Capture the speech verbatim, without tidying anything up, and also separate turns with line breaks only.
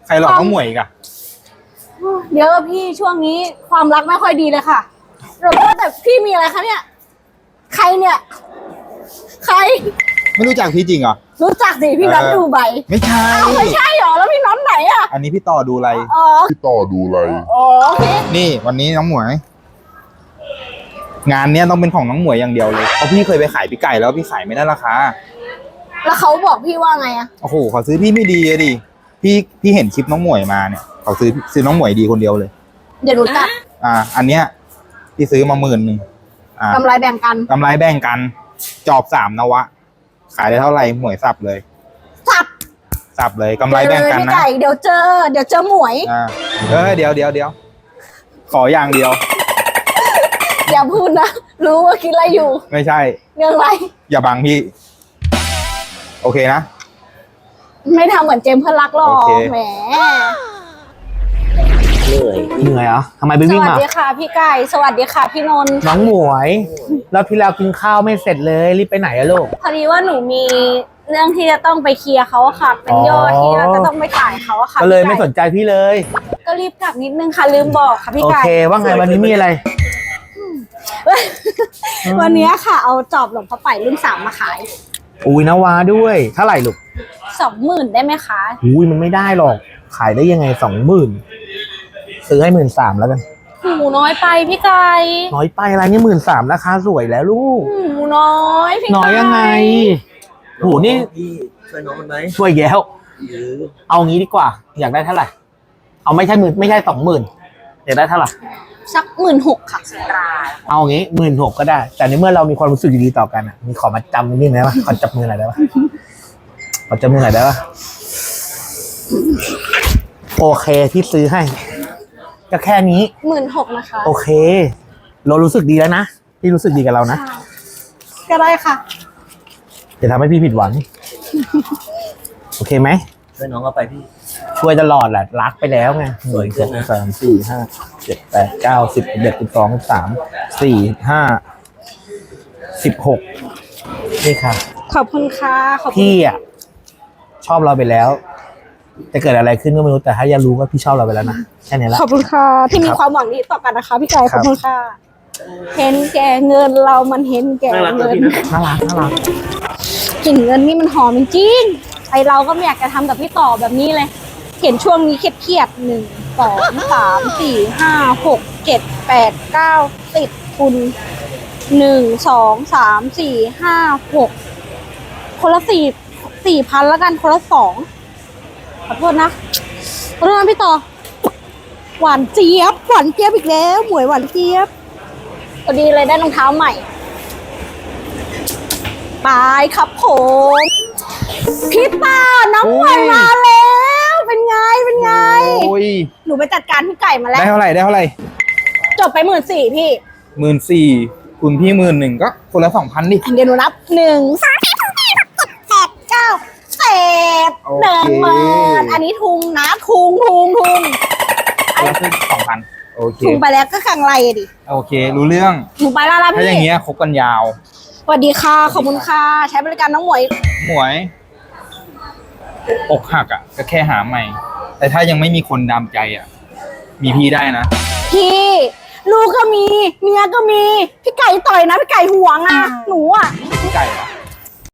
ใครหลอกน้องหมวยอีกอะ
เดี๋ยวพี่ช่วงนี้ความรักไม่ค่อยดีเลยค่ะเราก็แต่พี่มีอะไรคะเนี่ยใครเนี่ยใคร
ไม่รู้จักพี่จริงเหรอ
รู้จักสิพี่น็อตดูใบ
ไม่ใช่
ไม่ใช่หรอแล้วพี่น็อตไหนอ่ะ
อันนี้พี่ต่อดูอะไร
อ๋อ
พี่ต่อดูอะไร
อ๋อโอเค
นี่วันนี้น้องหมวยงานเนี้ยต้องเป็นของน้องหมวยอย่างเดียวเลยเพราะพี่เคยไปขายพี่ไก่แล้วพี่ขายไม่ได้ราคา
แล้วเขาบอกพี่ว่าไงอ่ะ
โอ้โหเขาซื้อพี่ไม่ดีเลยดิพี่พี่เห็นคลิปน้องหมวยมาเนี่ยเขาซื้อซื้อน้องหมวยดีคนเดียวเลย
เดี๋ยวหนูจัด
อ่าอันเนี้ยพี่ซื้อมาหมื่นหนึ่ง
กำไรแบ่งกัน
กำไรแบ่งกันจอบสามนวะขายได้เท่าไหร่หมวยสับเลย
สับ
สับเลยกำไรแบ่งกันนะ
เดี๋ยวเจอเดี๋ยวเจอหมวย
อ่าเออเดี๋ยวเดี๋ยวเดี๋ยวขออย่างเดียว
อย่าพูดนะรู้ว่าคิดอะไรอยู่
ไม่ใช่
เรื่องอะไร
อย่าบังพี่โอเคนะ
ไม่ทำเหมือนเจมส์เพื่อนรักหรอกแหม
เหนื่อยเหนื่อยเหรอทำไมไปวิ่งมา
สวัสดีค่ะพี่ไก่สวัสดีค่ะพี่นนท์
น้องหมวยเราที่เรากินข้าวไม่เสร็จเลยรีบไปไหนอะลูก
พอดีว่าหนูมีเรื่องที่จะต้องไปเคลียร์เขาค่ะเป็นยอดที่เราจะต้องไปจ่ายเขาค่ะ
ก็เลยไม่สนใจพี่เลย
ก็รีบกลับนิดนึงค่ะลืมบอกค่ะพี่ไก่
โอเคว่าไงวันนี้มีอะไร
วันนี้ค่ะเอาจอบหลวงพ่อไปรุ่นสามมาขาย
อุ้ยนาวาด้วยเท่าไหร่ลูก
สองหมื่นได้ไหมคะ
อุ้ยมันไม่ได้หรอกขายได้ยังไงสองหมื่นซื้อให้หมื่นสามแล้วกัน
หูน้อยไปพี่ไก่
น้อยไปอะไรนี่หมื่นสามราคาสวยแล้วลูก
หูน้อยพี่ไก่
น้อยยังไงหูนี่
พี่ช่วยน้องมันไหม
ช่วยแย้วเอางี้ดีกว่าอยากได้เท่าไหร่เอาไม่ใช่หมื่นไม่ใช่สองหมื่นอยากได้เท่าไหร่
สักหมื่นหกค่ะ
เอางี้หมื่นหกก็ได้แต่ในเมื่อเรามีความรู้สึกดีๆต่อกันอ่ะมีขอมาจำนิดนึงได้ปะขอจับมือหน่อยได้ปะขอจับมือหน่อยได้ปะโอเคที่ซื้อให้ก็แค่นี้
หมื่นหกนะคะ
โอเคเรารู้สึกดีแล้วนะพี่รู้สึกดีกับเรานะ
ก็ได้ค่ะ
จะทำให้พี่ผิดหวังโอเคไหม
ช่วยน้องเอาไปพี่
ช่วยตลอดแหละรักไปแล้วไงหนึ่งสองสามสี่ห้าเจ็ดแปดเก้าสิบเอ็ดสิบสองสิบสามสี่ห้าสิบหกนี่ค่ะ
ขอบคุณค่ะขอบคุณ
พี่อ่ะชอบเราไปแล้วจะเกิดอะไรขึ้นก็ไม่รู้แต่ถ้าอยากรู้ว่าพี่ชอบเราไปแล้วนะแค่นี้แหละ
ขอบคุณค่ะที่มีความหวังดีต่อกันนะคะพี่ไก่ขอบคุณค่ะเห็นแก่เงินเรามันเห็นแก่เงิน
น่ารักน่ารัก
กลิ่นเงินนี่มันหอมจริงไอเราก็ไม่อยากจะทำกับพี่ต่อแบบนี้เลยเห็นช่วงนี้เครียดๆหนึ่งสองสามสี่ห้าหกเจ็ดแปดเก้าสิบคุณหนึ่งสองสามสี่ห้าหกคนละสี่สี่พันแล้วกันคนละสองขอโทษนะขอโทษนะพี่ต่อหวานเจี๊ยบหวานเจี๊ยบอีกแล้วหมวยหวานเจี๊ยบพอดีเลยได้รองเท้าใหม่ไปครับผมพี่ต่อน้องหมวยมาแล้วเป็นไงเป็นไงหนูไปจัดการพี่ไก่มาแล้ว
ได้เท่าไหร่ได้เท่าไหร่
จบไปหมื่นสี่พี่
หมื่นสี่คุณพี่หมื่นหนึ่งก็คนละสองพันดิ
เดี๋ยวหนูนับหนึ่งสามสี่ห้าหกเจ็ดแปดเก้าเศษหนึ่งหมื่นอันนี้ทุงนะทุงทุงทุง
แล้วคือสองพันโอเค
ทุงไปแล้วก็ขังไรดิ
โอเครู้เรื่อง
หนูไปแล้วนะพี่
ถ้าอย่างเงี้ยคบกันยาว
สวัสดีค่ะขอบคุณค่ะใช้บริการน้องหมวย
หมวยอกหักอ่ะก็แค่หาใหม่แต่ถ้ายังไม่มีคนดามใจอ่ะมีพี่ได้นะ
พี่ลูกก็มีเมียก็มีพี่ไก่ต่อยนะพี่ไก่ห่วงอ่ะหนูอ่ะ